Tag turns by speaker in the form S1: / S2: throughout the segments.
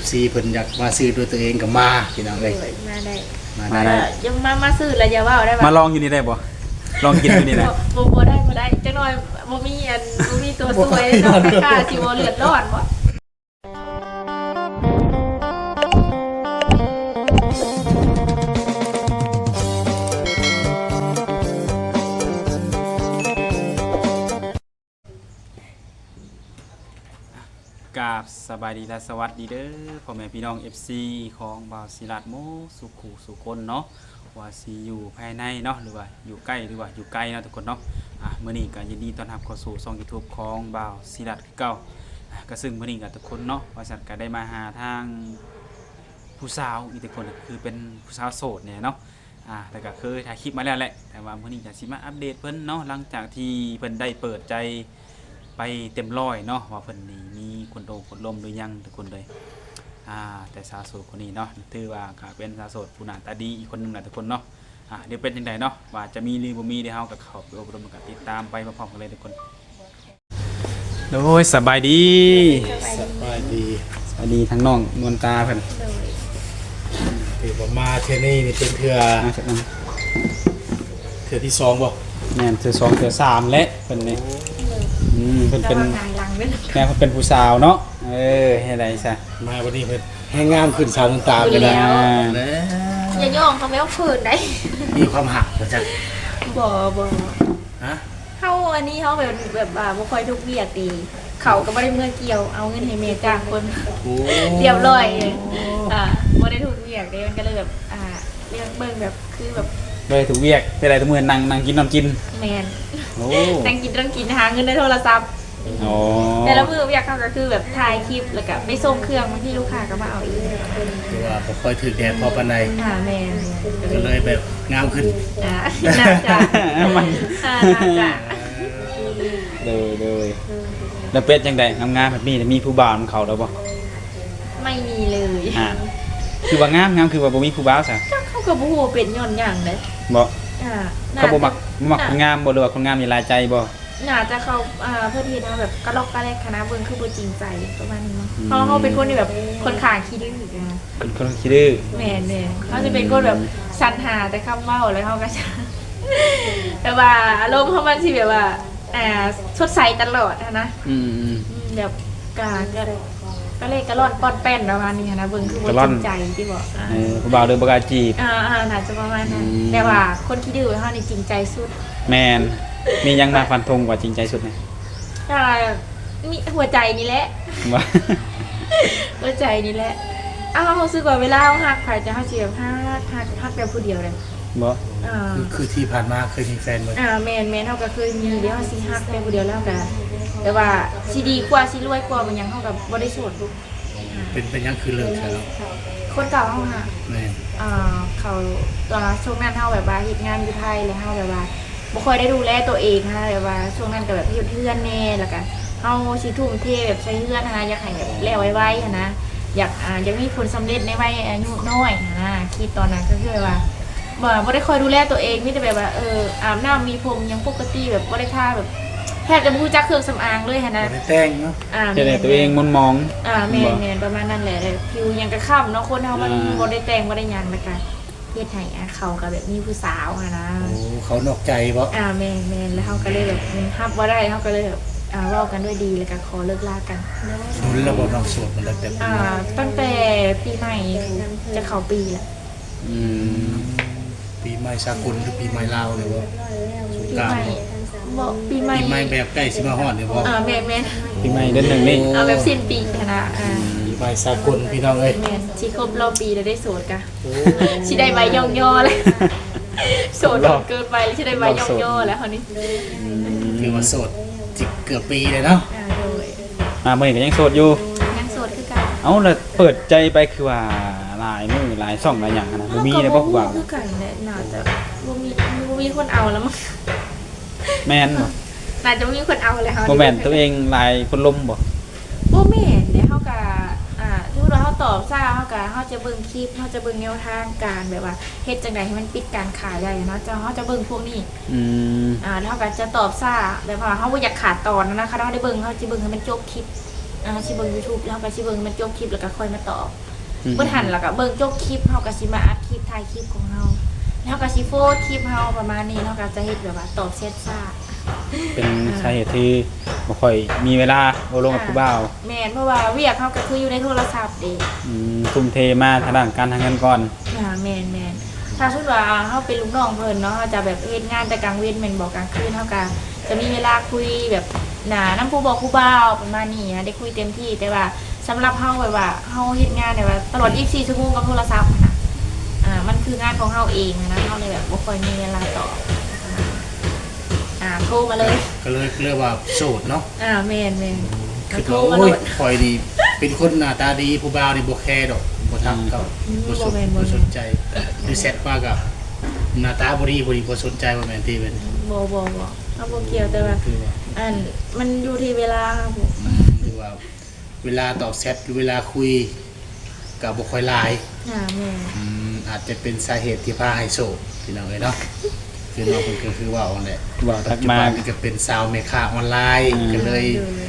S1: FC เพิ่นอยากมาซื้อด้วยตัวเองก็มาพี่น้องเอ้ย
S2: มาได้
S1: มาได้
S2: ยังมาซื้อแล้วอย่าว่าได้
S3: มาลองอยู่นี่ได้บ่ลองกินอยู่นี่แหละ
S2: บ่ได้จังหน่อยบ่มีตัวสวยเนาะค่าสิบ่เลือดร้อนบ่
S3: กราบสบายดีและสวัสดีเด้อพ่อแม่พี่น้อง FC ของบ่าวศิรัตน์โมสุขุสุคนเนาะว่าสิอยู่ภายในเนาะหรือว่าอยู่ใกล้หรือว่าอยู่ไกลเนาะทุกคนเนาะมื้อนี้ก็ยินดีต้อนรับเข้าสู่ช่อง YouTube ของบ่าวศิรัตน์คือเก่าก็ซึ่งมื้อนี้ก็ทุกคนเนาะว่าสัตว์ก็ได้มาหาทางผู้สาวอีกทุกคนคือเป็นผู้สาวโสดเนี่ยเนาะแล้วก็เคยถ่ายคลิปมาแล้วแหละแต่ว่ามื้อนี้จะสิมาอัปเดตเพิ่นเนาะหลังจากที่เพิ่นได้เปิดใจไปเต็มร้อยเนาะว่าเพิ่นนี่มีคนโตคนล้มหรือยังทุกคนเลยแต่สาวโสดคนนี้เนาะถือว่าก็เป็นสาวโสดผู้หน้าตาดีอีกคนนึงแหละทุกคนเนาะเดี๋ยวเป็นจังไดเนาะว่าจะมีหรือบ่มีเดี๋ยวเฮาก็เข้าไปอบรมกันติดตามไปพร้อมๆกันเลยทุกคนโดยสบายดี
S1: สบายดี
S3: ทั้งน้องนวลตาเพิ่น
S1: ถือว่ามาเทื่อนี้นี่เป็นเทื่อที่2บ่
S3: แม่นเทื่อ2เทื่อ3และเพิ่นนี่เพิ่นเป็นแม่เพิ่นเป็นผู้สาวเนาะเฮ็ดได้ซะ
S1: มาวันนี้เพิ่นแห้งงามขึ้นสาวน้ำตากันแล้ว
S2: อย่าย่องเขาไม่เอาคืนได้
S1: มีความหักบ่จัก
S2: บ่
S1: ฮะ
S2: เฮาอันนี้เฮาแบบบ่ค่อยทุกเวียกดีเขาก็บ่ได้เมื่อเกี่ยวเอาเงินให้แม่จ้างคนเรียบร้อยบ่ได้ทุกเวียกเด้มันก็เลยแบบเรียกเบิ่งแบบคือแบบ
S3: เลยถูกเวียกเป็นไรทุกมื้อนั่งกินนอนกิน
S2: แม่นนั่งกินหาเงินในโทรศัพท์แต่ละมื้ออยากเขาก็คือแบบถ่ายคลิปแล้วก็ไปส่งเครื่องบางทีลูกค้าก็มาเอาอีก
S1: คือว่าบ่ค่อยถือแดดพอปานใด
S2: แม่น
S1: ก็เลยแบบงามขึ้น
S2: น่าจะ
S3: มันเลยแล้วเป็ดจังได๋งามๆแบบนี้มีผู้บ่าวมันเข้าแล้วบ่
S2: ไม่มีเลย
S3: คือว่างามคือว่าบ่มีผู้บ่าวซะ
S2: เขาก็บ่ฮู้เป็นย้อนหยังเด้
S3: บ่เขาบ่มักคนงามบ่หรือว่าคนงามมีหลายใจบ่
S2: น่าจะเขาเพื่อที่แบบกระลอกกระแลกคณะเบิ่งคือบ่จริงใจประมาณนี้มั้งเพราะเขาเป็นคนที่แบบคนข้างขี้ดื้อ
S3: เป็นคนขี้ดื้อ
S2: แม่นเขาจะเป็นคนแบบสรรหาแต่คำเว้าแล้วเขาก็จะแต่ว่าอารมณ์เขามันสิแบบว่าสดใสตลอดนะแบบกระเลกกระล่อนป้อนแป้นประมาณนี้นะเบิ่งคือบ่จริงใจที่บอก
S3: ผู้บ่าวเดินบ่กล้าจีบ
S2: น่าจะประมาณนั้นแต่ว่าคนขี้ดื้อเขานี่จริงใจสุด
S3: แม่นมียังมาฟันธงกว่าจริงใจสุดไหม
S2: มีหัวใจนี่แหละหัวใจนี่แหละเขาซื้อกว่าเวลาเขาหักใครจะเขาเสียบหักแบบผู้เดียวเลย
S3: บ่
S1: คือที่ผ่านมาเคยมีแฟนมั้ย
S2: แมนเขาก็เคยมีเดี๋ยวเขาสิหักแบบผู้เดียวแล้วกันแต่ว่าสิดีกว่าสิรวยกว่ามันยังเขากับบ่ได้โสด
S1: เป็นยังคือเลิกแล้ว
S2: คนเก่าเขาค่ะ
S1: แม่
S2: เขาตอนช่วงนั้นเขาแบบว่าเฮ็ดงานอยู่ไทยแล้วเขาแบบว่าบ่ค่อยได้ดูแลตัวเองนะแบบว่าช่วงนั้นก็แบบเพื่อนแน่แล้วกันเฮาสิทุ่มเทแบบใช้เพื่อนนะอยากให้แบบแล้วไวๆนะอยากมีผลสำเร็จในวัยอายุน้อยนะคิดตอนนั้นก็คือว่าบ่ได้คอยดูแลตัวเองมีแต่แบบว่าอาบน้ำมีผมยังปกติแบบบ่ได้ทาแบบแทบจะบ่รู้จักเครื่องสำอางเลยนะ
S1: บ่ได้แต่งเนาะ
S3: แต่ตัวเองมนมอง
S2: แม่นประมาณนั้นแหละผิวยังกระค่ำเนาะคนเฮามันบ่ได้แต่งบ่ได้หยังแล้วกันเฮ็ดให้เขาก็แบบมีผู้สาวนะ
S1: เขานอกใจบ่
S2: แม่นแล้วเฮาก็เลยแบบรับบ่ได้เฮาก็เลยแบบเว้ากันด้วยดีแล้วก็ขอเลิกลากัน
S1: แล้วบ่น้องโสดมันแล้วแต่
S2: ตั้งแต่ปีใหม่จะเข้าปีแล้ว
S1: ปีใหม่สากลหรือปีใหม่ลาวหรือว่าสงกรานต์
S2: ปีใหม่
S1: แบบใกล้สิมาฮอดนี่บ่
S2: แม่น
S3: ปีใหม่เดือน1นี่
S2: แบบสิ้นปีนะ
S1: ปีใหม่สากลพี่น้องเอ้ย
S2: แม่นสิครบรอบปีแล้วได้โสดกะสิได้ใบย่อๆเลยโสดเกินไปสิได้ใบย่อๆแล้วคราวนี้
S1: คือว่าโสดเกือบปีเลยเนาะ
S3: มื้อนี้ก็ยังโสดอยู่
S2: ยังโสดคือกัน
S3: แล้วเปิดใจไปคือว่าหลายมื้อหลายช่องหลายอย่างนะบ่มีเลยบ่ผู้บ่าว
S2: คือกันแหละน่าจะบ่มีคนเอาแล้วมั้ง
S3: แม่นบ่
S2: น่าจะมีคนเอาเลยเฮา
S3: บ่แม่นตัวเองหลายคนล้มบ่
S2: แม่นเด้เฮาก็สมมุติว่าเฮาตอบซ่าเฮาจะเบิ่งคลิปเฮาจะเบิ่งแนวทางการแบบว่าเฮ็ดจังได๋ให้มันปิดการขายได้เนาะเฮาจะเบิ่งพวกนี้
S3: แล้ว
S2: เฮาก็จะตอบซ่าแบบว่าเฮาบ่อยากขาดตอนนะคะเฮาได้เบิ่งเฮาสิเบิ่งให้มันจบคลิปสิเบิ่ง YouTube แล้วก็สิเบิ่งมันจบคลิปแล้วก็ค่อยมาตอบบ่ทันแล้วก็เบิ่งจบคลิปเฮาก็สิมาอัดคลิปถ่ายคลิปของเฮาแล้วก็สิโพสต์คลิปเฮาประมาณนี้เฮาก็จะเฮ็ดแบบว่าตอบเซตซ่า
S3: เป็นสาเหตุที่บ่ค่อยมีเวลาโอลงกับผู้บ่าว
S2: แม่นเพราะว่าเวียกเฮาก็คืออยู่ในโทรศัพท์เด้
S3: ทุ่มเทมาทางด้านการทางเงินก่อน
S2: แม่นถ้าสมมุติว่าเฮาเป็นลูกน้องเพิ่นเนาะเฮาจะแบบเฮ็ดงานแต่กลางเว้นแม่นบ่กลางคืนเฮาก็จะมีเวลาคุยแบบนำผู้บอกผู้บ่าวประมาณนี้ได้คุยเต็มที่แต่ว่าสำหรับเฮาแบบว่าเฮาเฮ็ดงานแบบว่าตลอด24ชั่วโมงกับโทรศัพท์นะมันคืองานของเฮาเองนะเฮาเลยแบบบ่ค่อยมีเวลาตอบโทรมาเลย
S1: ก็เลยเรียกว่าโสดเนาะ
S2: แม่น
S1: คือ
S2: โทร
S1: ว่า
S2: มา
S1: โอ้
S2: เลย ย
S1: คอยดีเป็นคนหน้าตาดีผู้บ่าวนี่บ่แคร์ดอกบ่ทักเขาบ่สนใจหรือแซดว่ากับหน้าตาบ่ดีบ่สนใจว่าแม่นที่เป็น
S2: บ่เอาบ่เกี่ยวแต่ว่า
S1: คือว่า
S2: มันอยู่ที่เวลาครับผม
S1: คือว่าเวลาตอบแชทหรือเวลาคุยกับบ่ค่อยหลาย
S2: แม่
S1: อาจจะเป็นสาเหตุที่พาให้โสดพี่น้องเอ้ยเนาะคือน้องเพิ่นก็คือว่าเอาแหละ
S3: ว่าทั
S1: ปั
S3: ก
S1: จจุ
S3: มา
S1: บันนี่ก็เป็นสาวแม่ค้าออนไลน์ก็เลย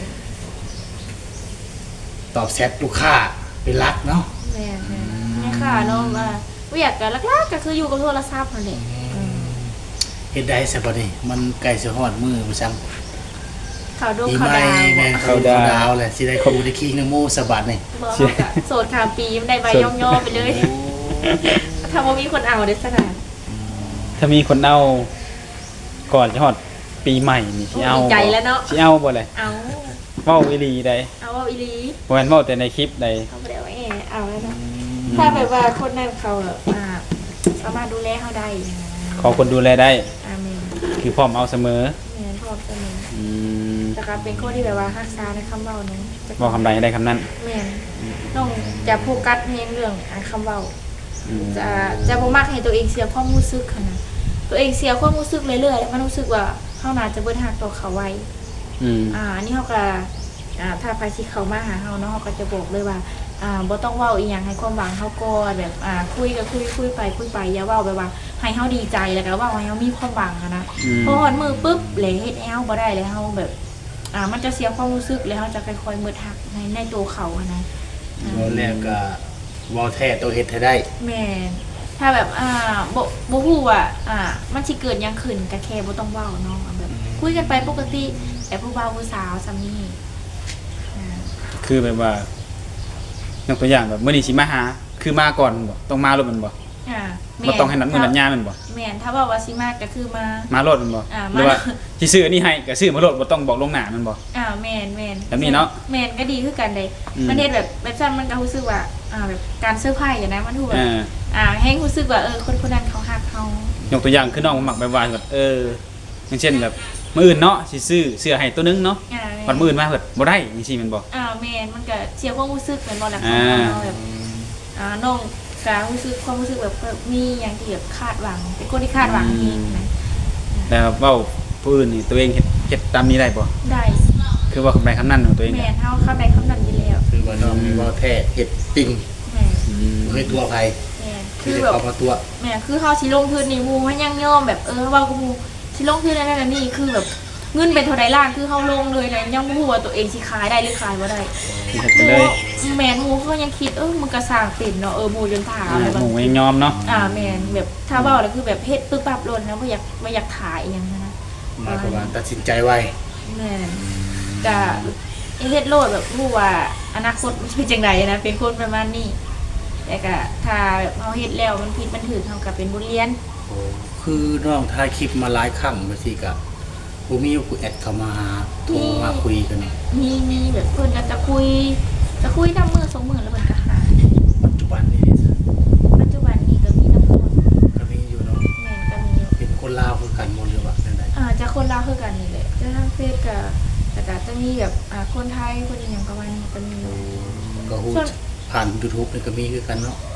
S1: ตอบแชทลูกค้าเป็นหลักเนาะ
S2: แม่ค่ะเนาะว่าเวียกกันลักๆก็คืออยู่กับโทรศัพท์นั่นแหละ
S1: เฮ็ดได้ซะบ่นี่มันใกล้สิฮอดมื้อบ่ซัง
S2: เขาดู
S1: ปี
S2: เขา
S1: ใหม่
S2: ดาว
S1: แม่นเขาดาวแหละสิได้ครูได้คิงนโมสะบัดนี่
S2: บอกเขากะโสดขาปีมันได้ใบย่อๆไปเลยถ้าว่ามีคนเอาได้สนาน
S3: ถ้ามีคนเอาก่อนจะฮอดปีใหม่นี่สิเอา
S2: ดีใจแล้วเนาะ
S3: สิเอาบ่เลย
S2: เอา
S3: เว้าอีหลีใด
S2: เอาว่าอีลี
S3: บ่แม่นเว้าแต่ในคลิปใด
S2: เขาไม่ได้ว่าเอาแล้วเนาะถ้าแบบว่าคนนั้นเขาสามารถดูแลเขาได้
S3: ขอคนดูแลได้
S2: อาเมน
S3: คือพร้อมเอาเสมอ
S2: แม่นพร้อมเสมอ
S3: อืม
S2: แต่การเป็นคนที่แบบว่ารักษาในคำเว้านั้น
S3: บอกคำใดให้ได้คำนั้น
S2: แม่นต้องจะโฟกัสในเรื่องคำเว้า
S3: อืม
S2: จะบ่มักให้ตัวเองเสียความรู้สึกค่ะนะตัวเองเสียความรู้สึกเรื่อยๆมันรู้สึกว่าเฮาน่าจะเบิดฮักต่อเขาไว้ อันนี้เฮาก็ถ้าไปสิเขามาหาเฮาเนาะเฮาก็จะบอกเลยว่าบ่ต้องเว้าอีหยังให้ความหวังเฮาก่อนแบบคุยก็คุยไปอย่าเว้าแบบว่าให้เฮาดีใจแล้วก็เว้าให้เฮามีความหวังอะนะพอฮอดมือปุ๊บเลยเฮ็ดให้เฮาบ่ได้แล้วเฮาแบบมันจะเสียความรู้สึกแล้วเฮาจะค่อยๆมืดฮักในตัวเขาอะนะ
S1: ตอนแรกก็เว้าแท้ตัวเฮ็ดให้ได้
S2: แม่นถ้าแบบบ่ฮู้ว่ามันสิเกิดหยังขึ้นก็แค่บ่ต้องเว้าเนาะแบบคุยกันไปปกติแต่ผู้บ่าวผู้สาวซำนี้
S3: คือแบบว่ายกตัวอย่างแบบมื้อนี้สิมาหาคือมาก่อนบ่ต้องมารถมันบ่
S2: แม่
S3: บ่ต้องให้นัดมื้อนัดยามมันบ่
S2: แม่นถ้าว่าสิมาก็คือมาม
S3: ารถมันบ่
S2: มา
S3: หรือว่าสิซื้ออันนี้ให้ก็ซื้อมารถบ่ต้องบอกลวงหน้ามันบ่
S2: แม่น
S3: แบบนี้เนาะ
S2: แม่นก็ดีคือกันเด้
S3: อืม
S2: มันเฮ็ดแบบซั่นมันก็รู้สึกว่าแบบการเซอร์ไพรส์อะนะมันถูกแบบ
S3: อ่า
S2: แฮงรู้สึกว่าคนนั้นเขาฮักเฮาย
S3: กตัวอย่างคือน้องมักแบบว่าแบบอย่างเช่นแบบมื้ออื่นเนาะสิซื้อเสื้อให้ตัวนึงเนาะ
S2: แม่
S3: วันมื้ออื่นมาเพิ่นบ่ได้จังซี่แม่นบ่
S2: แม่นมันก็เสียความรู้สึกเหมือนบ่ล่ะ
S3: อ่า
S2: เขาแบบน้องก็รู้สึกความรู้สึกแบบมีอย่างที่แบบคาดหวังเป็นคนที่คาดหวังจริงนะ
S3: แล้วเว้าผู้อื่นนี่ตัวเองเฮ็ดตามนี้ได้บ่
S2: ได้
S3: คือว่าคำใดคำนั้นของตัวเอง
S2: แม่
S3: เนี่ย
S2: นเฮาเข้าใจคำนั้นอยู่แล้ว
S1: คือว่าน้องมีเว้าแท้เฮ็ดจริง
S2: แม่น
S1: บ่เคยตัวไผ
S2: แม่น
S1: คื
S2: คือ อ
S1: ได้
S2: แบบ
S1: เข้ามาตัว
S2: แม่คือเขาชิลงทุนนี่มูมันยังยอมแบบเว่ากูมูชิลงทุนนั่นนี่คือแบบเงินเป็นเท่าใดล้านคือเขาลงเลยนะยังบ่ฮู้ว่าตัวเองสิขายได้หรือขายบ่ได้
S3: ที่เฮ็ดไปเลย
S2: แม่นมูเขายังคิดมันก็สร้างเป็นเนาะหมูจนถามอะไร
S3: ห
S2: บาง
S3: มูยังยอมเนาะ
S2: แม่นแบบถ้าเว้าแล้วคือแบบเฮ็ดปึ๊บปั๊บโลดนะบ่อยากขายอีหยังนะ
S1: หมายความว่าตัดสินใจไว
S2: แม่นก็เฮ็ดโลดแบบรู้ว่าอนาคตมันเป็นจังไดนะเป็นคนประมาณนี้แต่ก็ถ้าแบบเฮาเฮ็ดแล้วมันผิดมันถูกเฮาก็เป็นบทเรียน
S1: คือน้องถ่ายคลิปมาหลายครั้งบางทีก็บ่มีผู้แอดเข้ามาโทรมาคุยกันเนาะ
S2: มีแบบเพิ่นก็จะคุยนำมือ2มื้อแล้วเพิ่นก็หาย
S1: ปัจจุบันนี้
S2: ปัจจุบันนี้ก็มีน้ำมัน
S1: ก็มีอยู่เนาะ
S2: แม่นก็มีอยู่
S1: เป็นคนลาวคือกันหมดหรือว่าจังได๋
S2: จะคนลาวคือกันนี่แหละจะทางเฟซก็แต่ก็จะมีแบบคนไทยคนอีหยังประมาณนี้ก็มีอยู่
S1: ก็ฮู้ผ่าน YouTube นี่ก็มีคือกันเนาะ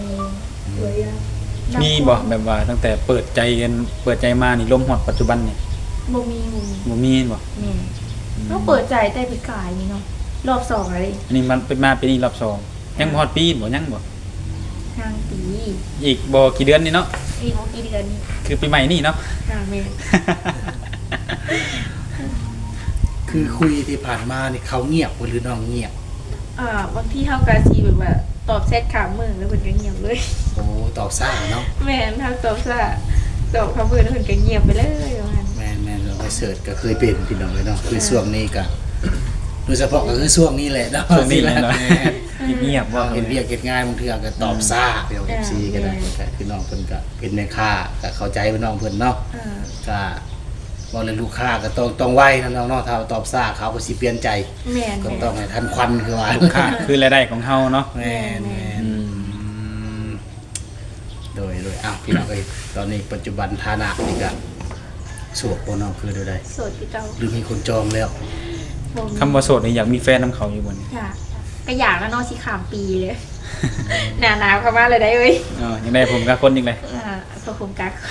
S3: มีบ่แบบว่าตั้งแต่เปิดใจมานี่ลมฮอดปัจจุบันนี่
S2: บ่มี
S3: บ่มีบ่
S2: แม่ต้องเปิดใจแต่ปีกายนี่เนาะรอบ2อะไร
S3: อันนี้มันเป็นมาปีนี้รอบสองยังบ่ฮอดปีบ่ยังบ่
S2: ทางปี
S3: อีกบ่กี่เดือนนี่เนาะ
S2: อีกบ่กี่เดือนนี้
S3: คือปีใหม่นี่เนาะ
S2: แม่
S1: คคือคุยที่ผ่านมานี่เขาเงียบบ่หรือน้องเงียบบ
S2: างทีเฮาก็สิแบบว่าตอบแชทข้ามมือแล้วเพิ่นก็เงียบเลย
S1: โอ้ตอบซ่าเนาะ
S2: แม่นเฮาตอบซะตอบข้ามมือแล้วเพิ่นก็เงียบไปเลยว่างั้น
S1: แม่นเราไปเสิร์ชก็เคยเป็นพี่น้องเลยเนาะคือช่วงนี้ก็โดยเฉพาะก็คือช่วงนี้แหละเนาะ
S3: ช่วงนี้แหละเนาะ เงียบๆว่า
S1: เห็นเรียกเฮ็ดงานบางเทื่อก็ตอบซ่าเดี๋ยว FC ก็ได้ก็คือน้องเพิ่นก็เป็นแม่ค้าก็เข้าใจว่าน้องเพิ่นเนาะ ก็บ่เลยลูกค้าก็ต้องไวนะน้องเนาะถ้าตอบซ่าเขาก็สิเปลี่ยนใจ
S2: แม่น
S1: ก็
S2: แม่น
S1: ต้องให้ทันควันคือว่า
S3: ลูกค้าคือรายได้ของเฮาเนาะ
S1: แม่นแม่นโดยอ้าวพี่น้องเอ้ยตอนนี้ปัจจุบันฐานะนี่ก็โสดบ่น้องคือได้
S2: โสดคือเก่า
S1: หรือมีคนจองแล้ว
S2: บ่มี
S3: คำว่าโสดนี่อยากมีแฟนนํเขาอยู่บ่นี่
S2: ค่ะก็อยากแล้วเนาะสิข้ามปีเลย หนาวเข้ามาเลยได้เว้ย
S3: อ๋อยังได้ผมกับคนอีกเลย
S2: พอคุมกัก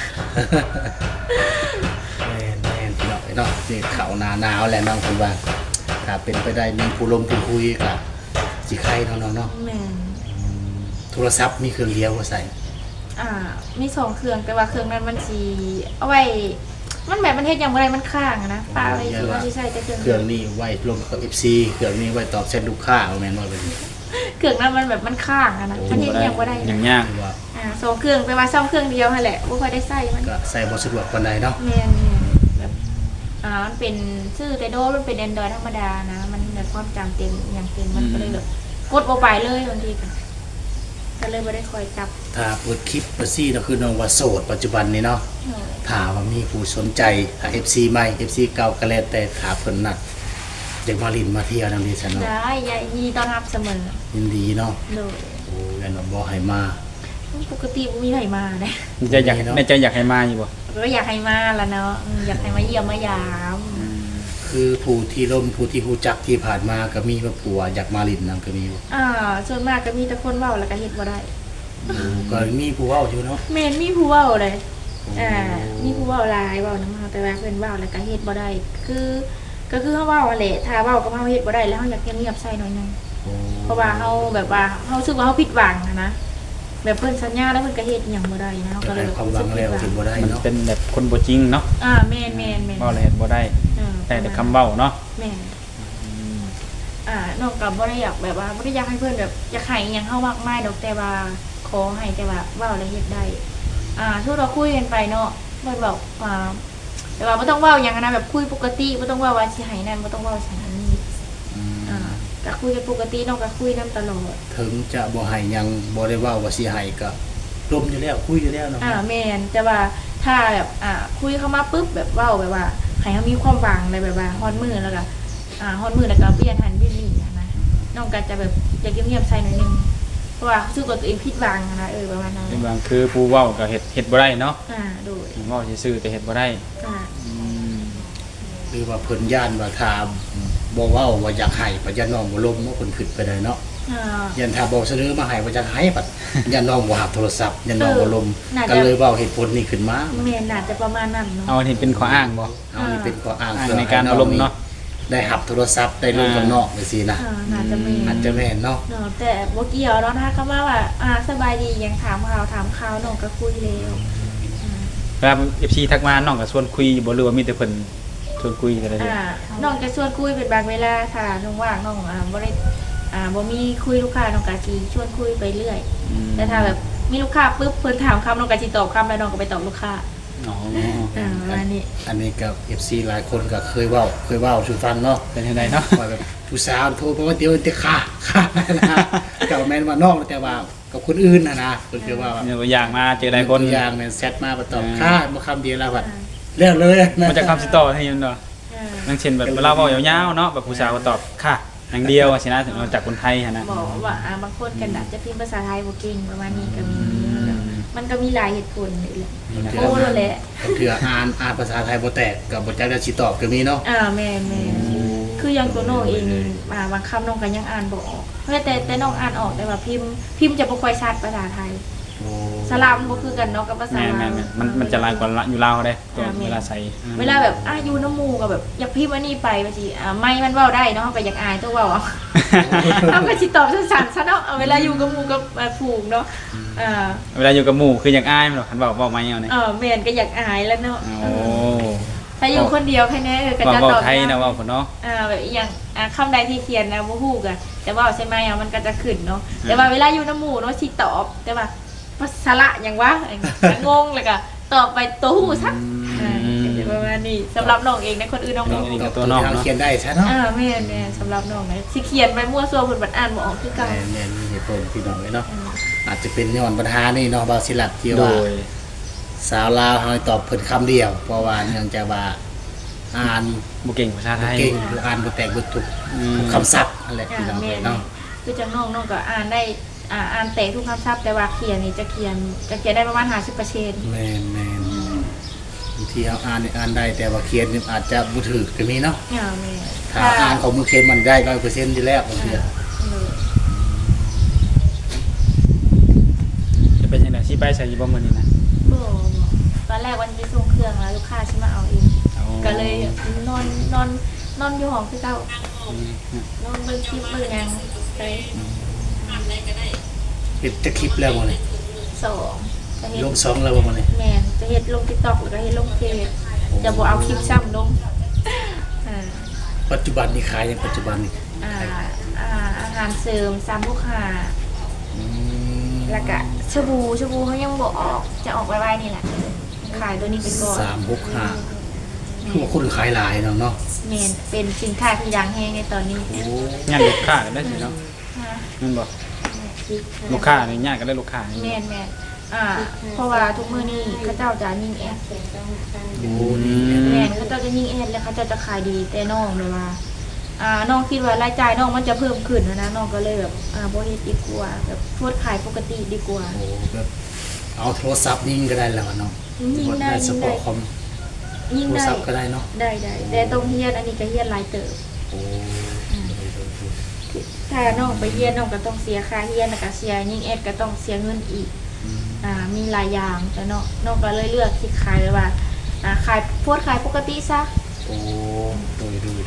S1: แม่นพี่น้องเอ้ยเนาะนี่เข้าหน้าหนาวแล้วน้องเพิ่นว่าถ้าเป็นไปได้มีผู้ลมผู้คุยก็สิใครเนาะน้องเนาะ
S2: แม่น
S1: โทรศัพท์มีเครื่องเดียวบ่ใส่
S2: มีสองเครื่องแต่ว่าเครื่องนั้นมันสิเอาไว้มันแบบมันเฮ็ดหยังบ่ได้มันค้างอะนะป้าไว้สิว่าสิใช้แต่เครื่อง
S1: เครื่องนี้ไว้ลงกับ FC เครื่องนี้ไว้ตอบแชทลูกค้าเอาแม่นว่าเป็น
S2: เครื่องนั้นมันแบบมันค้างอะนะมันเฮ็ดหยังบ่ได้
S3: อย่าง
S2: นะ
S3: ยาก
S1: คือว่า
S2: สองเครื่องแต่ว่าซ่อมเครื่องเดียวนั่นแหละบ่ค่อยได้ใช้มัน
S1: ก็ใส่บ่สะดวกปานใดเนาะ
S2: แม่นแบบมันเป็นชื่อแต่โดมันเป็น Android ธรรมดานะ มันแบบความจำเต็มอย่างเต็มมันก็เลยแบบกดบ่ไปเลยบางทีก็เลยบ่ได้คอยจับ
S1: ถ้าเปิดคลิปเปิดซี่ก็คือน้องว่าโสดปัจจุบันนี้เนาะถ้าว่ามีผู้สนใจถ้า FC ใหม่ FC เก่าก็แล้วแต่ถ้าเพิ่นนัดอยากมาลินมาเที่ยวนำดิฉันเนาะ
S2: ได้ยินดีต้อนรับเสมอ
S1: ยินดีเนาะ
S2: โดย
S1: โอ้ยนบ่ให้มา
S2: ปกติบ่มีไผมาเด้
S3: จะอยากในใจอยากให้มาอยู่บ่
S2: ก็อยากให้มาละเนาะอยากให้มาเยี่ยมมายาม
S1: คือผู้ที่ร่มผู้ที่ฮู้จักที่ผ่านมาก็มีว่าผัวอยากมาลินนํก็มีอยู่
S2: ส่วนมากก็มีแต่คนเว้าแล้วก็เฮ็ดบ่ได้
S1: ก็มีผู้เว้าอยู่เนาะ
S2: แม่นมีผู้เว้าเลยมีผู้เว้าหลายเว้านำเฮาแต่ว่าเพิ่นเว้าแล้วก็เฮ็ดบ่ได้ก็คือเฮาเว้าแหละถ้าเว้ากับเฮาเฮ็ดบ่ได้แล้วเฮาอยากเงียบๆใส่หน่อยนึง
S1: โอ้
S2: เพราะว่าเฮาแบบว่าเฮารู้สึกว่าเฮาผิดหวังนะแบบเพิ่นสัญญาแล้วเพิ่นก็เฮ็ดอิหยังบ่ได้นะเฮาก็เลย
S1: ให้ความหวังแล้วถึงบ่ได้
S3: มัน
S1: เนาะ
S3: เป็นแบบคนบ่จริงเนาะ
S2: แม่น
S3: เว้าแล้วเฮ็ดบ่ได้แต่คำเว้าเนาะ
S2: แม่นน้องก็บ่ได้อยากแบบว่าบ่ได้อยากให้เพิ่นแบบอยากให้อิหยังเฮามากมายดอกแต่ว่าขอให้แต่ว่าเว้าแล้วเฮ็ดได้ทุกเราคุยกันไปเนาะเพิ่นบอกแต่ว่าบ่ต้องเว้าหยังนะแบบคุยปกติบ่ต้องเว้าว่าสิให้นั่นบ่ต้องเว้าสิให้นี่ก็คุยกันปกติน้องก็คุยนํตลอด
S1: ถึงจะบ่ให้หยังบ่ได้เว้าว่าสิให้ก็ร่มอยู่แล้วคุยอยู่แล้วเนาะ
S2: แม่นแต่ว่าถ้าแบบคุยเข้ามาปุ๊บแบบเว้าแบบว่าให้เขามีความหวังอะไรแบบว่าฮอดมือแล้วก็ฮอดมือแล้วก็เปลี่ยนหันเปลี่ยนนี่นะน้องก็จะแบบอยากเงียบๆใส่หน่อยนึงเพราะว่ารู้สึกว่าตัวเองผิดหวังนะประมาณนั้น
S3: เป็นบางคือผู้เว้าก็เฮ็ดบ่ได้เนาะ
S2: โดย
S3: เว้าซื่อๆแต่เฮ็ดบ่ได้
S1: หรือว่าเพิ่นย่านว่าถ้าบ่เว้าว่าอยากให้ปัญญาน้องบ่ลมว่าเพิ่นขึ้นไปได้เนาะยันถ้าบ่เสนอมาให้ว่าอยากให้ปัดยันน้องบ่รับโทรศัพท์ยันน้องบ่ลมก็เลยเว้าเหตุผลนี้ขึ้นมา
S2: แม่นน่าจะประมาณนั้นเนาะ
S3: เอาอันนี้เป็นข้ออ้างบ่
S1: เอานี่เป็นข้ออ้าง
S3: อ้างในการอารมณ์เนาะ
S1: ได้รับโทรศัพท์ได้ลงกับน้องจังซี่นะ
S2: น่าจะแม่
S1: อาจจะแม่นเนาะ
S2: เนาะแต่บ่เกี่ยวเนาะถ้าเขาว่าสบายดียังถามข่าวน้องก็คุยแล้ว
S3: เวลา FC ทักมาน้องก็ชวนคุยบ่หรือว่ามีแต่เพิ่นชวนคุยกันได้
S2: น้องจะชวนคุยเป็นบางเวลาค่ะน้องว่างน้องบ่ได้บ่มีคุยลูกค้าน้องก็สิชวนคุยไปเรื่อยแต่ถ้าแบบมีลูกค้าปุ๊บเพิ่นถามคำน้องก็สิตอบคำแล้วน้องก็ไปตอบลูกค้า
S3: อ๋อ
S2: อันนี้
S1: อันนี้กับ FC หลายคนก็เคยเว้าสู่ฟังเนาะ
S3: เป็นจังไดเนาะ
S1: ว่าแบบผู้สาวโทรมาว่าเดี๋ยวจะฆ่านะก็แม่นว่าน้องแต่ว่ากับคนอื่นนะเพิ่นคือว่า
S3: มีตัวอย่างมาเจอหลายคน
S1: ตัวอย่างแม่นแซดมาบ่ตอบฆ่าบ่คำเดียวแล้วบัดแล้วเลย
S3: มันจะคำสิต่อให้ยันเนาะอย่างเช่นแบบเวลาเว้ายาวๆเนาะแบบผู้สาวก็ตอบค่ะอย่างเดียวสินะถึงเราจากคนไทยนะ
S2: บอกว่าบางคนกันอาจจะพิมพ์ภาษาไทยบ่เก่งประมาณนี้ก็มีมันก็มีหลายเหตุผลอยู่แหละโอ้นั่นแหละ
S1: เถื่ออ่านภาษาไทยบ่แตกก็บ่จักจะสิตอบก็มีเนาะ
S2: แม่คืออย่างตัวน้องเองนี่บางคำน้องก็ยังอ่านบ่ออกเพราะแต่น้องอ่านออกแต่ว่าพิมพ์จะบ่ค่อยชัดภาษาไทยสลามบ่คือกันเนาะกับภาษา
S3: แม่มันจะลายกว่าอยู่ลาวได้ตัวเวลาใส่
S2: เวลาแบบอยู่น้ำหมู่ก็แบบอยากพิมพ์อันนี้ไปว่าสิไม่มันเว้าได้เนาะเฮาก็อยากอายตัวเว้าเอาเฮาก็สิตอบสั้นๆซะเนาะเวลาอยู่กับหมู่กับฝูงเนาะ
S3: เวลาอยู่กับหมู่คืออยากอายมันหรอกคันบอกมาเอาเนี่ย
S2: แม่นก็อยากอายแล้วเนาะ
S3: โอ้
S2: ถ้าอยู่คนเดียวแค่นี้ก็จะ
S3: เว้า
S2: ตอบ
S3: ไทยนะเว้าพุ่นเนาะ
S2: แบบอหย่างคำใดที่เขียนนะบ่ฮู้กะแต่ว่าใช่ไหมมันก็จะขึ้นเนาะแต่ว่าเวลาอยู่น้ำหมู่เนาะสิตอบแต่ว่าภาษาละหยังวะงงเลยก็ตอบไปตัวฮู้ซะจะประมาณนี้สำหรับน้องเองนะคนอื่นน้องบ่
S3: นี่
S2: ฮู้
S3: ก็ตัวน้อง
S1: เรา
S3: เนาะ
S1: เขียนได้ใช่เนาะ
S2: แม่นๆสำหรับน้องนะสิเขียนไปมั่วซั่วเพิ่นบัดอ่านบ่ออกคือเก่า
S1: แม่นมีเหตุผลพี่น้องเลยเนาะอาจจะเป็นย้อนปัญหานี่เนาะบาสิลัดที่
S3: โด
S1: ว่าย สาวลาวเฮาตอบเพิ่นคำเดียว เพราะว่าเนื่องจากว่าอ่าน
S3: บ่เก่งภาษาไทย
S1: เก่งหรืออ่านบ่แตกบ่ถูกทุกคำศัพท์นั่นแหละพี่น้อง
S2: แม่
S1: เลย
S2: น
S1: เนาะ
S2: คือจังน้องก็อ่านได้อ่านแตกทุกคำศัพท์แต่ว่าเขียนนี่จะเขียนได้ประมาณ50%
S1: แม่นแม่นบางทีเฮาอ่านนี่อ่านได้แต่ว่าเขียนนี่อาจจะบ่ถูกก็มีเนาะ
S2: แม่
S1: ถ้าอ่านของมือเขียนมันได้ 100% อยู่แล้วบางที
S3: จะเป็นจังได๋สิไปใช้อยู่บ่มื้อนี้นะ
S2: ตอนแรกวันไปส่งเครื่องแล้วลูกค้าชิมาเอาเองก็เลยนอนอยู่ห้องคือเก่านอนเบิ่งคลิปเบิ่งหยังไป
S1: เฮ็ดจะคลิปแล้วบ่นี่
S2: สองจะเฮ็ด
S1: ลง2แล้วบ่นี่
S2: แม่นจะเฮ็ดลง TikTok แล้วก็เฮ็ดลงเฟซจะบ่เอาคลิปซ้ำลงอ่า
S1: ปัจจุบันนี่ขายยังปัจจุบันนี่
S2: อาหารเสริม365
S1: อืม
S2: แล้วก็ชาบูเขายังบ่ออกจะออกไวๆนี่แหละขายตัวนี้ไปก่อน
S1: 365คือว่าคนขายหลายเนาะ
S2: แม่นเป็นสินค้าที่ดังแฮงในตอนนี้
S1: โอ้
S3: งานลูกค้าก็ได้สิเนาะแม่นบ่ลูกค้านี่ญาติก็ได้ลูกค้านี่
S2: แม่นเพราะว่าทุกมื้อนี้เขาเจ้าจะยิงแอด
S1: โหนี่
S2: แม่นเขาเจ้าจะยิงแอดแล้วเขาเจ้าจะขายดีแต่น้องเลยว่าน้องคิดว่ารายจ่ายน้องมันจะเพิ่มขึ้นนะน้องก็เลยแบบบ่เฮ็ดดีกว่าแบบโพสต์ขายปกติดีกว่า
S1: โอ้แบบเอาโทรศัพท์ยิงก็ได้แล้วเนาะ
S2: ยิงได้
S1: สปอร์ตคอม
S2: ยิง
S1: โทร
S2: ได้
S1: ศัพท์ก็ได้เนาะ
S2: ได้แต่ต้องเฮียนอันนี้ก็เฮียนหลายเติบ
S1: โอ้
S2: ถ้าน้องไปเฮียนน้องก็ต้องเสียค่าเฮียนแล้วก็เสียยิงแอดก็ต้องเสียเงินอีกมีหลายอย่างแต่น้องก็เลยเลือกที่ขายเลยว่าขายโพสต์ขายปกติซะ
S1: โอ้ดู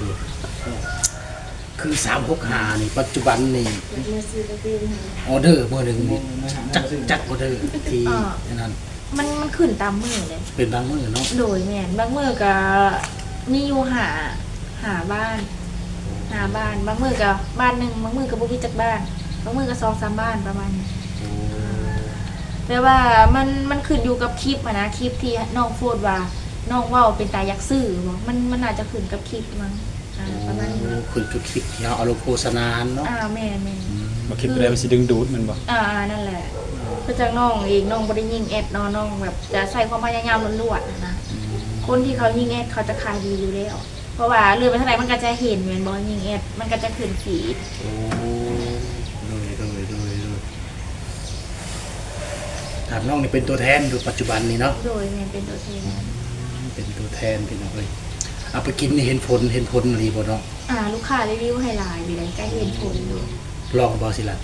S1: คือ365นี่ปัจจุบันนี่ออเดอร์มื้อหนึงนี่จักออเดอร์ที่นั่น
S2: มันขึ้นตามมือเลย
S1: เป็นบางมื้อเนาะ
S2: โดยแม่นบางมือก็มีอยู่หาบ้านบางมือก็บ้านหนึ่งบางมือก็บ่มีจักบ้านบางมือก็2-3บ้านประมาณนี้
S1: โอ้
S2: แต่ว่ามันขึ้นอยู่กับคลิปอะนะคลิปที่น้องพูดว่าน้องเว้าเป็นตาอยากซื้อบ่มันอาจจะขึ้นกับคลิปมั้งประมาณนี้
S1: คือจุดคลิปที่เราเอาลงโฆษณาเนาะ
S2: แม่น
S3: บ่คิดไปได้มันสิดึงดูดมันบ่
S2: นั่นแหละก็จากน้องเองน้องบ่ได้ยิงแอดน้องแบบจะใส่ความพยายามล้วนๆนะคนที่เขายิงแอดเขาจะขายดีอยู่แล้วเพราะว่าเลื่อนไปเท่าไหร่มันก็จะเห็นเหมือนบอลยิงแอดมันก็จะขึ้นฟีด
S1: โอ้โดยถามน้องนี่เป็นตัวแทนดูปัจจุบันนี่เนาะ
S2: โดยแม่นเป็นตัวแทน
S1: เป็นตัวแทนพี่น้องเอ้ยเอาไปกินนี่เห็นผลอะไรบ่เนาะ
S2: ลูกค้ารีวิวให้หลายอยู่เลยใกล้เห็นผลอยู่
S1: ลองบ่สิล่ะ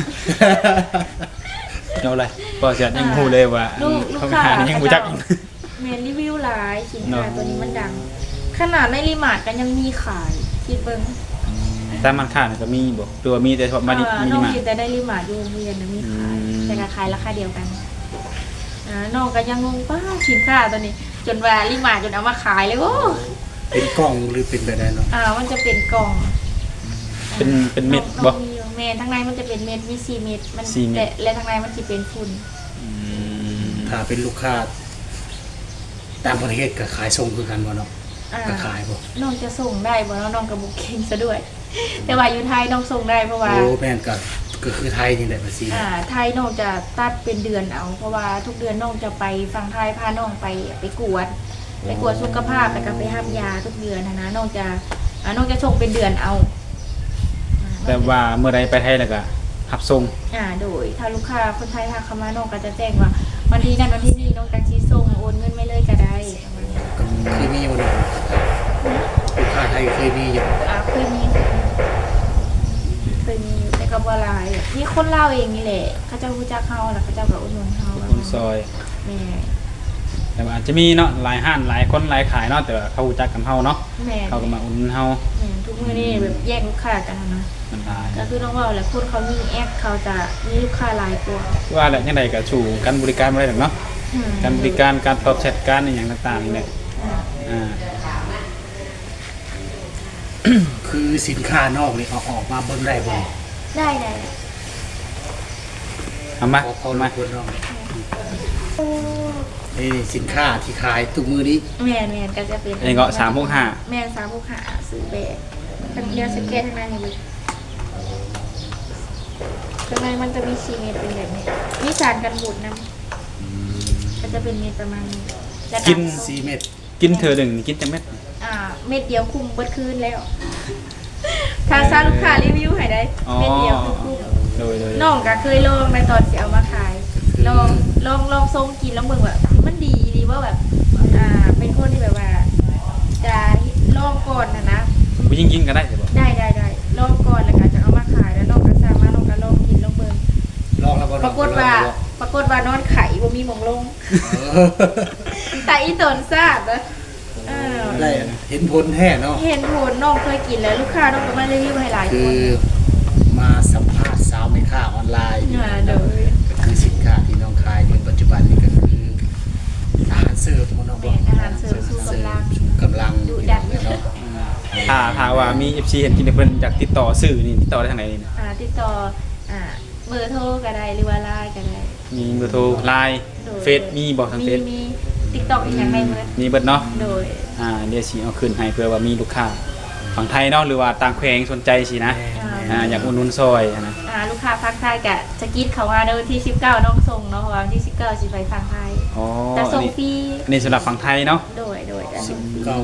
S3: เอาเลยบ่เสียยังฮู้เลยว่า
S2: ลูก
S3: เขา
S2: ค้า
S3: หานี่ยังบ่จัก
S2: แม่นรีวิวหลายสินค้า
S3: เนาะ
S2: ตัวนี้มันดัง ขนาดในรีมาร์ทกันยังมีขายคิดเบิ่ง
S3: แต่มันค่านี่ก็มีบ่หรือว่ามีแต่เฉพาะมานี่มี
S2: น้อง
S3: มา
S2: คิดแต่ได้รีมาร์ทอยู่โรงเรียนนะมีขาย แต่ก็ขายราคาเดียวกันน้องก็ยังงงป้าสินค้าตัวนี้ จนว่ารีมาร์ทจนเอามาขายเลยโอ้
S1: เป็นกล้องหรือเป็นแบบใดเนาะ
S2: มันจะเป็นกล่อง
S3: เป็นเม็ดบ่
S2: มีอยู่เม็ดทั้งในมันจะเป็นเม็ดมี4เม็ดมัน
S3: 4เม็ด
S2: และทั้งในมันจะเป็นฝุ่น
S1: ถ้าเป็นลูกค้าต่างประเทศก็ขายส่งคือกันบ่เนาะก็ขายบ่
S2: น้องจะส่งได้บ่แล้วน้องกับบุกเก่งซะด้วย แต่ว่าอยู่ไทยน้องส่งได้เพราะว่า
S1: โอ้แม่นก็คือไทยนี่แหละภาษี
S2: ไทยน้องจะตัดเป็นเดือนเอา เพราะว่าทุกเดือนน้องจะไปฟังไทยพาน้องไปกวดสุขภาพแล้วก็ไปห้ามยาทุกเดือนนะน้องจะส่งเป็นเดือนเอา
S3: แต่ว่าเมื่อใดไปไทยแล้วก็รับส่ง
S2: โดยถ้าลูกค้าคนไทยทักเข้ามาน้องก็จะแจ้งว่าวันที่นั้นวันที่นี้น้องจังสิส่งโอนเงินไม่เลยก็ได้ประมาณนี้
S1: เคยมีอยู่เนาะลูกค้าไทยเคยมีอยู่
S2: เคยมีอยู่แต่ก็บ่หลายมีคนเล่าวเองนี่แหละเขาเจะรู้จักเฮาแล้วเขาเจะแบบอุดหนุนเฮา
S3: คนซอย
S2: แม่
S3: แต่ว่าอาจจะมีเนาะหลายห้านหลายคนหลายขายเนาะแต่ว่าเขารู้จักกันเฮาเนาะ
S2: แม่
S3: เขาก็มาอุ่นนเฮา
S2: แม่ทุกมื้อนี่แบบแยกลูกค้ากันนะ
S3: มันหลาย
S2: ก็คือต้องว่าแหละคนเขามีแอปเขาจะมีลูกค้าหลายกว่า
S3: ว่าแหละจังไดก็สู่การบริการบ่ได้ดอกเนาะ การบริการการตอบแชทการอหย่างต่างๆนี่แหละ
S2: แ
S3: อ่า
S1: คือสินค้านอกนี่เอาออกมาเบิ่งได้บ่
S2: ได้
S3: เอามา
S1: พอ
S3: เอา
S1: ลู
S3: มาก
S1: คนน้องนี่สินค้าที่ขายทุกมื้อนี้
S2: แม่นก็จะเป็น
S3: อันนี้ก็365
S2: แม่น365ซื้อแบบทั้งเดียวสเก็ตทั้งนั้นเลยข้างในมันจะมีชีเม็ดเป็นแบบนี้มีสารกันบูดน้ำก็จะเป็นเม็ดประมาณนี้แล้ว
S3: กิน
S1: 4เม็ด
S3: กินเธอหนึ่งกินจังเม็ด
S2: เม็ดเดียวคุ้มเบิดคืนแล้วถ้าซาลูกค้ารีวิวให้ได้เม็ดเดียวคือคุ้ม
S3: โดย
S2: น้องก็เคยลองในตอนที่เอามาขายลองทรงกินแล้วเบิ่งว่ามันดีดีว่าแบบเป็นคนที่แบบว่าจะลองก่อนนะ
S3: ผู้หญิงกินก็ได้ใช่บ่
S2: ได้ลองก่อนแล้วก็จะเอามาขายแล้วน้องก็สร้างมาน้องก็ลองกินลองเบิ่ง
S1: ลองแล้วบ่
S2: ปรากฏว่านอนไข่บ่มีหมองลงแต่อีตนทราบนะ
S1: ได้เห็นผลแท้เนาะ
S2: เห็นผลน้องเคยกินแล้วลูกค้าน้องก็มารีวิวให้หลายค
S1: คื
S2: น
S1: อมาสัมภาษณ์สาวแม่ค้าออนไลน์
S2: โดย
S1: ก็คือสินค้าที่น้องขายในปัจจุบันนี้ก็คืออาหารเสริมบ่น้องบ่
S2: แม่นอาหารเสริมสู้กำลัง
S1: ชูกำลัง
S2: ดูดัน
S1: เนาะ
S3: ถ้าว่ามี FC เห็นกินเพิ่นอยากติดต่อสื่อนี่ติดต่อได้ทางไหนนี่
S2: ติดต่อเบอร์โทรก็ได้หรือว่าไลน์ก็ได้
S3: มีเบอร์โทร LINE เฟซมีบ่ทางเฟซ
S2: มีติ๊กต็อกอีกอย่างไรเมื่อ
S3: มีเบิดเนาะ
S2: โดย
S3: เดี๋ยวสิเอาคืนให้เพื่อว่ามีลูกค้าฝั่งไทยเนาะหรือว่าต่างแขวงสนใจสินะอยากอุดหนุนซอยนะ
S2: ลูกค้าฟังไทยกะจะกินเขาว่าในวันที่19น้องส่งเนาะเพราะว่าวันที่19สิไปฟังไทย
S3: อ๋อ
S2: แต่ส่งฟรี
S3: อันนี้สำหรับฝั่งไทยเนาะ
S2: โดยจะส่ง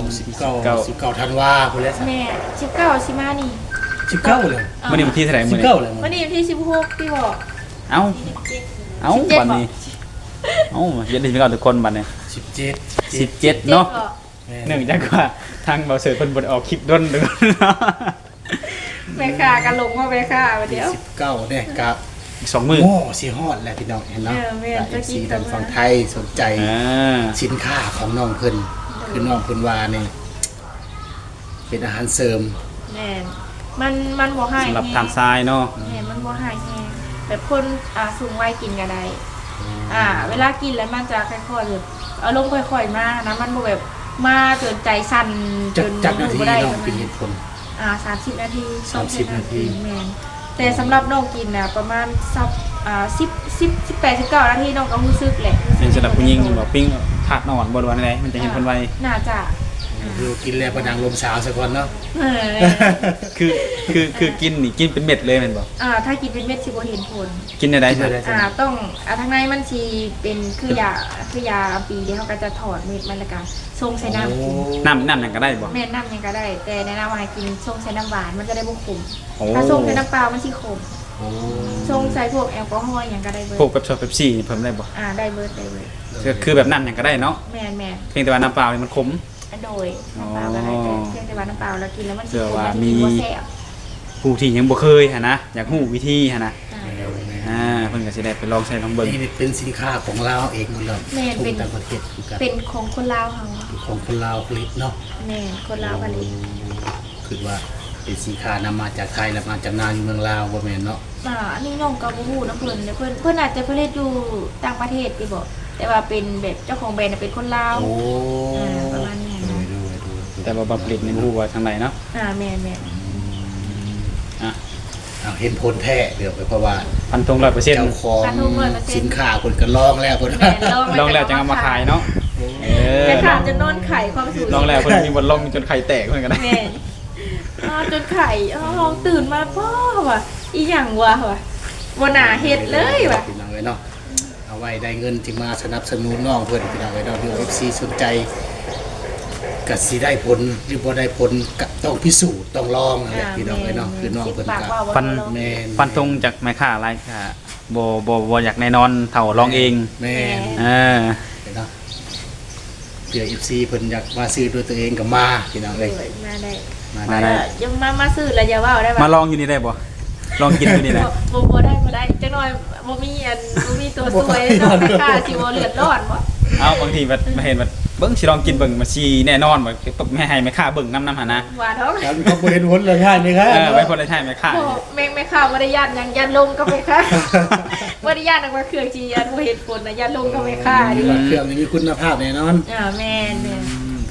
S1: 19ธันวาคมพุ่นแหละ
S2: แม่19สิมานี่
S1: 19เลย
S3: มื้อนี้วันที่เท่าไหร่มื้อนี้
S1: 19เลย
S2: วันนี้วันที่16พี่บอก
S3: เอ้าบัดนี้เย็นดีพี่น้องทุกคนบัดนี้
S1: 17
S3: 17เนาะเนื่องจากว่าทางเบาเสิร์ฟเพิ่นบ่ได้ออกคลิปด้นเด้อ
S2: แม่ค้ากันลงว่าแม่ค้าวันเดียว
S1: 19เนี่ยกับ
S3: อีก2มื้อ
S1: โอ้สิฮอดแล้วพี่น้องเห็นเนาะ
S2: แม่จะกิ
S1: สี
S2: น
S1: ดันฝั่งไทยสนใจสินค้าของน้องเพิ่นคือน้องเพิ่นว่านี่เป็นอาหารเสริม
S2: แม่มันบ่ให้
S3: สำหรับทางซ้ายเนาะ
S2: แม่มันบ่ให้แฮงแบบคนสูงวัยกินก็ได้เวลากินแล้วมันจะค่อยๆแบบอารมณ์ค่อยๆมานะมันบ่แบบมาจนใจสั่นจน
S1: จักนาที
S2: บ่ได้
S1: น้องเป็นเหตุผล
S2: 30 นาที
S1: 30 นาที
S2: แม่นแต่สำหรับน้องกินน่ะประมาณ18 19 นาทีน้องก็รู้สึกแหละ
S3: เป็นสำหรับผู้หญิงบ่ปิ้งถาดนอนบ่รู้ว่าอะไรมันจะเห็นเพิ่นไว
S2: น่าจะ
S1: คือกินแล้วประดังลมสาวซะก่อนเนาะ
S3: คือกินนี่กินเป็นเม็ดเลยแม่นบ่
S2: ถ้ากินเป็นเม็ดสิบ่เห็นผล
S3: กินได้
S1: กินได้
S2: ต้องทางในมันสิเป็นคือยาปีเดียวเขาก็จะถอดเม็ดมันแล้วก็ชงใส่น้ำ
S3: น้ำหยังก็ได้บ่
S2: แม่น้ำยังก็ได้ แต่แนะนำว่าให้กินชงใส่น้ำหวานมันจะได้บ่ขม
S3: โอ้
S2: ถ้าชงใส่น้ำเปล่ามันสิขม
S1: โอ้
S2: ชงใส่พวกแอลกอฮอล์หยังก็ได้เบิด
S3: พวกเป๊ปซี่เป๊ปซี่นี่เพิ่มได้บ่
S2: ได้เบิด
S3: คือแบบน้ำหยังก็ได้เนาะ
S2: แม่น
S3: เพียงแต่ว่าน้ำเปล่านี่มันขม
S2: โดยน้ำเปล่าก็ได้เพียงแต่ว่าน้ำเปล่าเรากินแล้วมันสิ
S3: เชื่อ
S2: ขม
S3: ว่า
S2: มัน
S3: มี
S2: สิบ่แซ่บ
S3: ผู้ที่ยังบ่เคยหั่นนะอยากฮู้วิธีหั่นนะ
S2: อ่า
S3: เพิ่นก็สิได้ไปลองใช้ลองเบิ่ง
S1: นี่เป็นสินค้าของเราเองหมดเลย
S2: แม่นเป็น
S1: ต่างประเทศคือกัน
S2: เป็นของคนลาวเฮา
S1: ของคนลาวผลิตเนาะ
S2: แม่นคนลาวผลิต
S1: คือว่าเป็นสินค้านำมาจากไทยแล้วมาจำหน่ายอยู่เมืองลาวบ่แม่นเนาะ
S2: อันนี้น้องก็บ่ฮู้นะเพิ่นแต่เพิ่นอาจจะผลิตอยู่ต่างประเทศที่บ่แต่ว่าเป็นแบบเจ้าของแบรนด์เป็นคนลาว
S1: โอ้
S2: ประมาณนี้
S1: ดู
S3: แต่ว่าบ่ผลิตนี่บ่ฮู้ว่าทางไหนเนาะ
S2: แม่น
S3: อ่ะ
S1: เอาเห็นผลแท้เดี๋ยวไปเพราะว่า
S3: พันธง 100%
S1: เจ้าของสินค้าคนก็ลองแล้วเพิ่น
S2: แม่น
S3: ลองแล้วจังเอามาขายเนาะ
S2: แต่ถามจะนอนไข่ความสูง
S3: ลองแล้วเพิ่นมีบ่ลองจนไข่แตกเพิ่นก็ได้
S2: แม่นจนไข่ห้องตื่นมาพ่อว่ะอีหยังวะว่ะบ่น่าเฮ็ดเลยว่ะ
S1: พี่น้องเอ้ยเนาะเอาไว้ได้เงินที่มาสนับสนุนน้องเพิ่นพี่น้องเอ้ยเนาะที่ FC สนใจก็สิได้ผลหรือบ่ได้ผลก็ต้องพิสูจน์ต้องลองนั่นแหละพี่น้องเอ้ยเนาะคือน้องเพิ่นก็
S3: ฟัน
S1: แม่น
S3: ฟันธงจากแม่ค้ารายค่ะบ่อยากแน่นอนเท่าลองเอง
S1: แม่น
S3: เออ
S1: เนาะเผื่อ FC เพิ่นอยากมาซื้อด้วยตัวเองก็มาพี่น้องเอ้ย
S2: มาได้
S1: มาได้
S2: ยังมาซื้อแล้วอย่าว่าได้ป่ะ
S3: มาลองอยู่นี่ได้บ่ลองกินอยู่นี่แหละ
S2: บ่ได้จังหน่อยบ่มีตัวสวยเนาะค่าสิบ่เลือดร้อนบ่
S3: เอาบางทีมาเห็นว่าเบิ่งสิลองกินเบิ่งมาชีแน่นอนว่าตบแม่ให้แม่ค้าเบิ่งน้ำหั่นนะ
S2: ว่าท้อง
S1: ครับเขาบ่เห็นผลเลยค่ะนี่ครับ
S3: ไว้คนละใช่แม่ค้า
S2: แม่ข้าวบ่ได้ย่านหยังย่านลงก็แม่ค้าบ่ได้ย่านว่าเครื่องจีย่านบ่เฮ็ดผลนะย่านลงก็แม่ค้า
S1: ดี
S2: ดิ
S1: ว่าเครื่องนี้มีคุณภาพแน่นอน
S2: แม่น
S1: โดย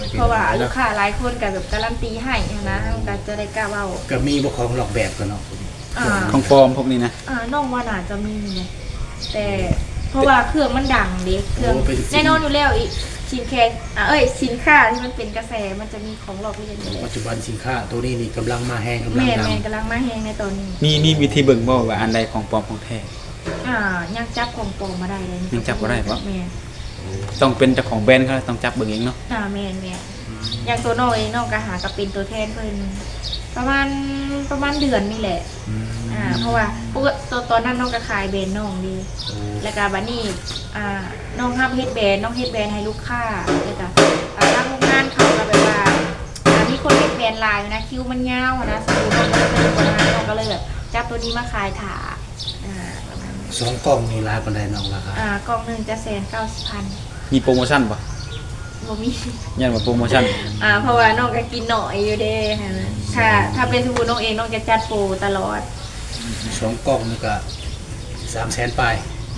S2: เพราะว่าลูกค้าหลายคนก็แบบการันตีให้นะเฮาก็จะได้กล้าเว้า
S1: ก็มีบ่ของหลอกแบบกันเนาะ
S3: ของปลอมพวกนี้นะ
S2: น้องว่าน่าจะมีนะแต่เพราะว่าเครื่องมันดังเด็เครื่องแน่นอนอยู่แล้วอีกสินค้าที่มันเป็นกระแสมันจะมีของหลอกเลียนอยู่แล้ว
S1: ปัจจุบันสินค้าตัวนี้นี่กำลังมาแฮงกำลัง
S2: แม่
S1: ดัง
S2: แม่กำลังมาแฮงในตอนนี้
S3: มีวิธีเบิ่งบ่ว่าอันใดของปลอมของแท้
S2: ยังจับของปลอมมาได้เลย
S3: ยังจับบ่ได้ปะ
S2: แม่
S3: ต้องเป็นเจ้าของแบรนด์เขาต้องจับเบิ่งเองเนาะ
S2: แม่อย่างตัวน้องเองน้องก็หากับเป็นตัวแทนเพิ่นประมาณเดือนนี่แหละ เพราะว่าตอนนั้นน้องก็ขายแบรนด์น้องดีแล้วก็บัดนี้น้องห้ามเฮ็ดแบรนด์น้องเฮ็ดแบรนด์ให้ลูกค้าแล้วก็ทางโรงงานเขาก็แบบว่ามีคนเฮ็ดแบรนด์ลายนะคิวมันยาวนะสมมุติน้องก็เลยแบบจับตัวนี้มาขายถาประมาณนี้
S1: 2กล่องนี่หลายปานใดน้องราคาก
S2: ล่องหนึงจะ190,000
S3: มีโปรโมชั่นบ่
S2: บ่มี
S3: ยันว่าโปรโมชั่น
S2: เพราะว่าน้องก็กินหน่อยอยู่เด้ถ้าเป็นสมมุติน้องเองน้องจะจัดโปรตลอด
S1: 2กล่องนี่ก็300,000ปลาย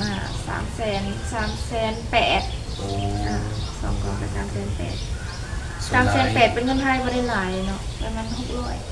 S2: 300,008
S1: โอ้
S2: สองกล่องก็300,008
S1: ส่วนหลาย
S2: 300,008เป็นเงินไทยบ่ได้หลายเนาะประมาณ600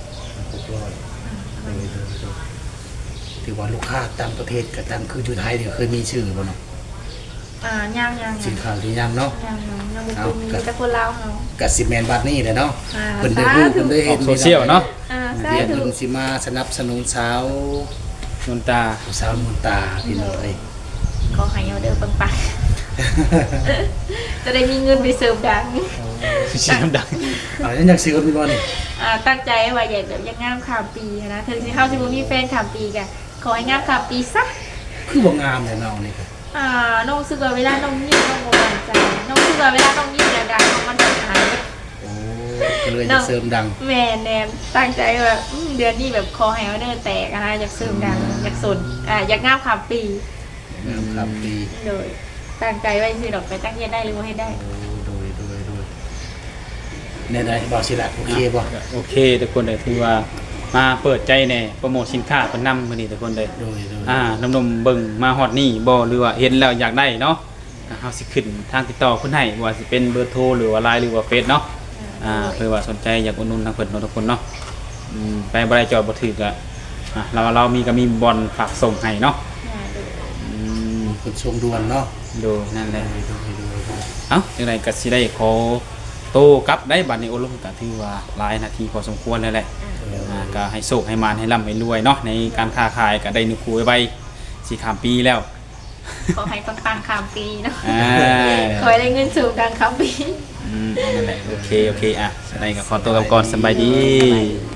S1: ถือว่าลูกค้าต่างประเทศกับต่างคืออยู่ไทยเนี่ยเคยมีชื่อบ่เนาะ
S2: ยัง
S1: สินค้าที่ยังเนาะ
S2: ยังบ่เคยมีแต่คนลาวเฮา
S1: กับสิแมนบัดนี้แหละเนาะ
S2: อ่า
S1: เพิ่นได้รู้เพิ่นได้
S3: อ
S1: เห็
S3: อน กโซเชียลเนาะ
S2: สา
S1: เดี๋ยว
S2: ธุ
S1: เพิ่นสิมาสนับสนุนสาวน
S3: นตา
S1: สาวมนตาพี่น้องเอ้ย
S2: ขอให้เอาเด้อปังๆจะได้มีเงินไปเสริมดัง
S3: เสียงดัง
S1: ยังอยากซื้อพี่บ่นี่
S2: ตั้งใจว่าอยากงามข้ามปีนะถึงสิเข้าสิบ่มีแฟนข้ามปีก็ขอให้งามข้ามปีซะ
S1: คือบ่งามแท้น้องนี่ก็
S2: น้องรู้สึกว่าเวลาน้องยิ้มน้องบ่มั่นใจน้องรู้สึกว่าเวลาน้องยิ้มแล้วดังน้องมันจะหาย
S1: โอ้ก็เลยจะเสริมดัง
S2: แม่แนมตั้งใจว่าเดือนนี้แบบคอไฮเอาเดอร์แตกนะอยากเสริมดังอยากสนอยากงามข้ามปี
S1: งามครับดี
S2: โดยตั้งใจไว้สิดอกไปตั้งใจได้หรือว่าให้ได้
S1: โอ้โดยแน่ๆบ่สิล่ะโอเคบ่
S3: โอเคทุกคนเลยถือว่ามาเปิดใจแน่โปรโมทสินค้าเพิ่นนำมื้อนี้ทุกคนเลย
S1: โดย
S3: นมๆเบิ่งมาฮอดนี่บ่หรือว่าเห็นแล้วอยากได้เนาะเฮาสิขึ้นทางติดต่อเพิ่นให้ว่าสิเป็นเบอร์โทรหรือว่า LINE หรือว่าเฟซเนาะเพื่อว่าสนใจอยากอุดหนุนทางเพิ่นเนาะทุกคนเนาะไปบ่ได้จอดบ่ถึกก็เรามีบอลฝากส่งให้เนาะ
S1: คนทรงด่วนเนาะ
S3: ดูนั่นแหละ
S1: โดย
S3: เอ้าจังไดก็สิได้ขอโตกลับได้บัดนี้โอลมก็ถือว่าหลายนาทีพอสมควรแล้วแหละก็ให้โชคให้มานให้ร่ำให้รวยเนาะในการค้าขายก็ได้นิคูไว้สิข้ามปีแล้ว
S2: ขอให้ปังๆข้ามปีเนาะ
S3: อ่า
S2: ขอให้ได้เงินสูงกลางข้ามปี
S3: นั่นแหละโอเคอ่ะได้ก็ขอตัวกลับก่อนสบายดี